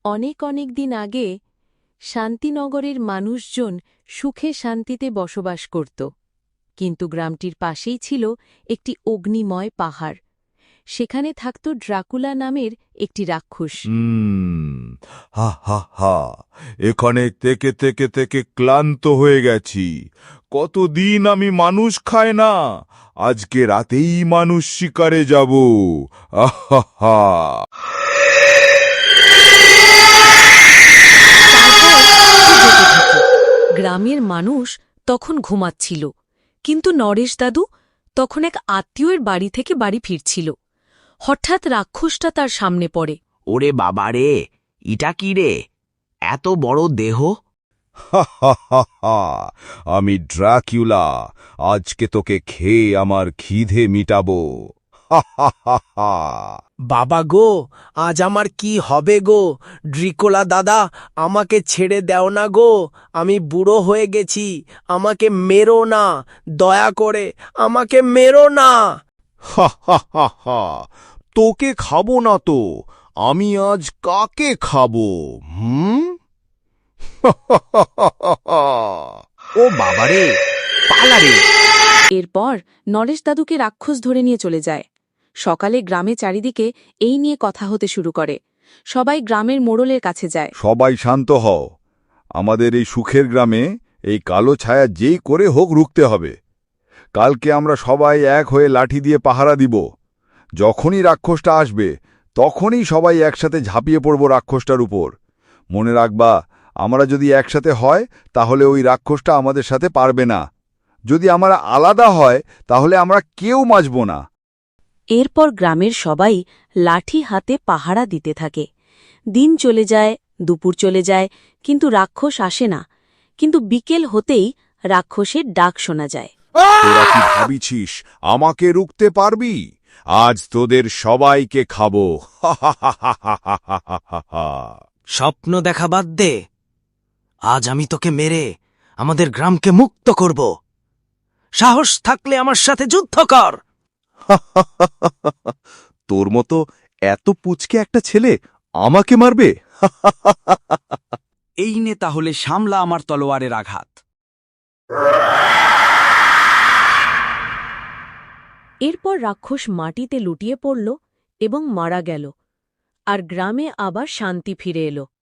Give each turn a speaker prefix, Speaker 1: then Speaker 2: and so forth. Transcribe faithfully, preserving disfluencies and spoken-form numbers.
Speaker 1: অনেক অনেক দিন আগে শান্তিনগরের মানুষজন সুখে শান্তিতে বসবাস করত, কিন্তু গ্রামটির পাশেই ছিল একটি অগ্নিময় পাহাড়। সেখানে থাকত ড্রাকুলা নামের একটি রাক্ষস।
Speaker 2: হুম হা হা হা এখানে থেকে থেকে থেকে ক্লান্ত হয়ে গেছি। কতদিন আমি মানুষ খাই না, আজকে রাতেই মানুষ শিকারে যাব। আহা হা
Speaker 1: গ্রামের মানুষ তখন ঘুমাচ্ছিল, কিন্তু নরেশ দাদু তখন এক আত্মীয়ের বাড়ি থেকে বাড়ি ফিরছিল। হঠাৎ রাক্ষসটা তার সামনে পড়ে।
Speaker 3: ওরে বাবা রে, ইটা কি রে, এত বড় দেহ!
Speaker 2: হা হা হা হা আমি ড্রাকুলা, আজকে তোকে খেয়ে আমার খিদে মিটাবো। হা হা হা হা
Speaker 4: বাবা গো, আজ আমার কি হবে গো? ড্রিকোলা দাদা, আমাকে ছেড়ে দাও না গো, আমি বুড়ো হয়ে গেছি, আমাকে মেরো না, দয়া করে আমাকে মেরো না।
Speaker 2: হা হা হা হা তোকে খাবো না তো, আমি আজ কাকে খাবো? হুম
Speaker 3: ও বাবা রে, পালা রে!
Speaker 1: এরপর নরেশ দাদুকে রাক্ষস ধরে নিয়ে চলে যায়। সকালে গ্রামে চারিদিকে এই নিয়ে কথা হতে শুরু করে। সবাই গ্রামের মোড়লের কাছে যায়।
Speaker 2: সবাই শান্ত হও, আমাদের এই সুখের গ্রামে এই কালো ছায়া যেই করে হোক রুখতে হবে। কালকে আমরা সবাই এক হয়ে লাঠি দিয়ে পাহারা দিব। যখনই রাক্ষসটা আসবে তখনই সবাই একসাথে ঝাঁপিয়ে পড়ব রাক্ষসটার উপর। মনে রাখবা, আমরা যদি একসাথে হয় তাহলে ওই রাক্ষসটা আমাদের সাথে পারবে না। যদি আমরা আলাদা হয় তাহলে আমরা কেউ বাঁচব না।
Speaker 1: এরপর গ্রামের সবাই লাঠি হাতে পাহারা দিতে থাকে। দিন চলে যায়, দুপুর চলে যায়, কিন্তু রাক্ষস আসে না। কিন্তু বিকেল হতেই রাক্ষসের ডাক শোনা যায়।
Speaker 2: তোরা কি ভাবিছিস আমাকে রুখতে পারবি? আজ তোদের সবাইকে খাবো। হা হা হা হা হা হা হা হা হা।
Speaker 4: স্বপ্ন দেখা বাদ দে, আজ আমি তোকে মেরে আমাদের গ্রামকে মুক্ত করব। সাহস থাকলে আমার সাথে যুদ্ধ কর।
Speaker 2: তোর মতো এত পুচকে একটা ছেলে আমাকে মারবে?
Speaker 5: এই নে তাহলে সামলা আমার তলোয়ারের আঘাত।
Speaker 1: এরপর রাক্ষস মাটিতে লুটিয়ে পড়ল এবং মারা গেল, আর গ্রামে আবার শান্তি ফিরে এলো।